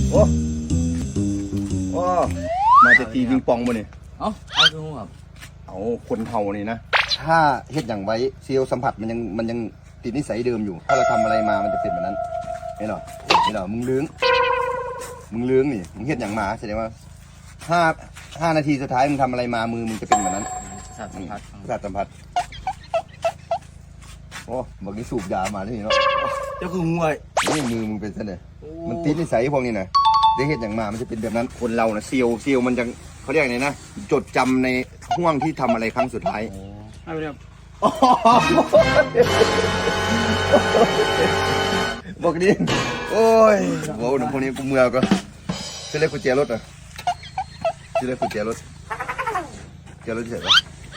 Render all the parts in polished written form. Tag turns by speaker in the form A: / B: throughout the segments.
A: โอ้โอ้มาจะตีปิงปองมาเนี่ย
B: เอ้าไอ้คือครับ
A: เอาคนเท่านี่นะถ้าเฮ็ดอย่างไว้เซลล์สัมผัสมันยังติดนิสัยเดิมอยู่ถ้าเราทำอะไรมามันจะเป็นแบบนั้นไม่หรอมึงลื้งนี่มึงเฮ็ดอย่างมาแสดงว่า5 นาทีสุดท้ายมึงทำอะไรมามือมึงจะเป็นแบบนั้น
B: สัตว์สัมผัส
A: โอ้บอกนี่สูบยามาที่เนาะ
B: เจ้าคือห่วย
A: นี่มือมึงเป็นซะเลยมันติดนิสัยพวกนี้นะได้เฮ็ดอย่างมามันจะเป็นแบบนั้นคนเรานะเซลล์มันจะเขาเรียกไงนะจดจำในห่วงที่ทำอะไรครั้งสุดท้าย
B: เอาไปครับ
A: บอกดิโอ้ยโว้หนุ่มคนนี้กูเมื่อก็จะเรียกกุญแจรถอ่ะจะเรียกกุญแจรถเฉยๆ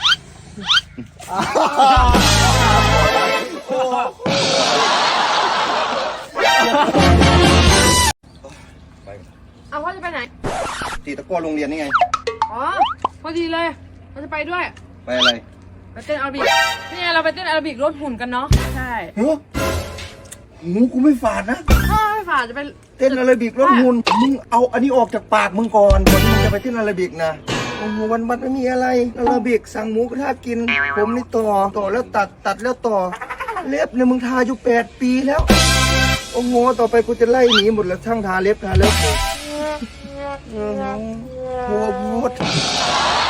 C: เอาพ่อจะไปไหน
A: ตีตะก้อโรงเรียนนี่ไง
C: อ๋อพอดีเลยเราจะไปด้วย
A: ไปอะไร
C: ไปเต้นแอโรบิกนี่ไงเราไปเต้นแอโรบิกลดหุ่นกันเนาะใช่
A: หูกูไม่ฝาดนะ
C: ไม่ฝาดจะไป
A: เต้นแอโรบิกลดหุ่นมึงเอาอันนี้ออกจากปากมึงก่อนที่มึงจะไปเต้นแอโรบิกนะโอ้โหวันไม่มีอะไรแอโรบิกสั่งหมูกระทะกินผมนี่ต่อแล้วตัดแล้วต่อเล็บเนี่ยมึงทาอยู่8 ปีแล้วโอ้โหต่อไปกูจะไล่หนีหมดแล้วช่างทาเล็บโอ้โหพูด